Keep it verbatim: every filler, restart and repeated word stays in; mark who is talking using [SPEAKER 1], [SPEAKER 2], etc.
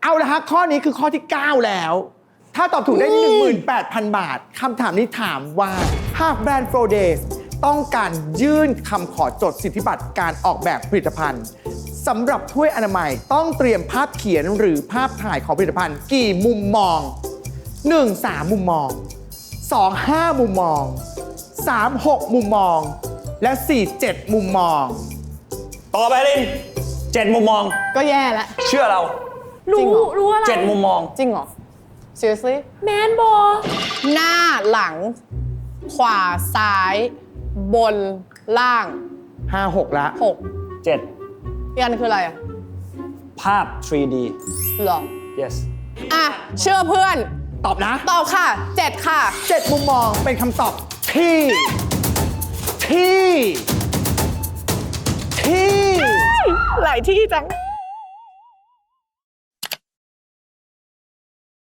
[SPEAKER 1] เอาละฮะข้อนี้คือข้อที่ เก้า แล้ว ถ้าตอบถูกได้ หนึ่งหมื่นแปดพัน บาทคำถามนี้ถามว่าหากแบรนด์โฟเดสต้องการยื่นคำขอจดสิทธิบัตรการออกแบบผลิตภัณฑ์สำหรับถ้วยอนามัยต้องเตรียมภาพเขียนหรือภาพถ่ายของผลิตภัณฑ์กี่มุมมอง หนึ่ง สาม มุมมอง สอง ห้า มุมมอง สาม หก มุมมอง และ สี่ เจ็ด มุมมอง
[SPEAKER 2] ต่อไปลินเจ็ดมุมมอง
[SPEAKER 3] ก็แย่แล้ว
[SPEAKER 2] เชื่อเรา
[SPEAKER 3] จริง
[SPEAKER 4] รู้
[SPEAKER 3] เหรอ
[SPEAKER 4] รู้อะไร
[SPEAKER 2] เจ็ดมุมมอง
[SPEAKER 3] จริงเหรอ seriously
[SPEAKER 4] แมนบอ
[SPEAKER 3] หน้าหลัง ขวาซ้าย บนล่าง
[SPEAKER 1] ห้า หก ละ
[SPEAKER 3] หก
[SPEAKER 2] เจ็ด
[SPEAKER 3] อีกอันคืออะไรอ่ะ
[SPEAKER 2] ภาพ ทรี ดี
[SPEAKER 3] เหรอ
[SPEAKER 2] yes
[SPEAKER 3] อ่ะ เชื่อเพื่อน
[SPEAKER 1] ตอบนะ
[SPEAKER 3] ตอบค่ะเจ็ดค่ะ
[SPEAKER 1] เจ็ด มุมมองเป็นคำตอบที่ ที่ ที่
[SPEAKER 3] หลายที่จัง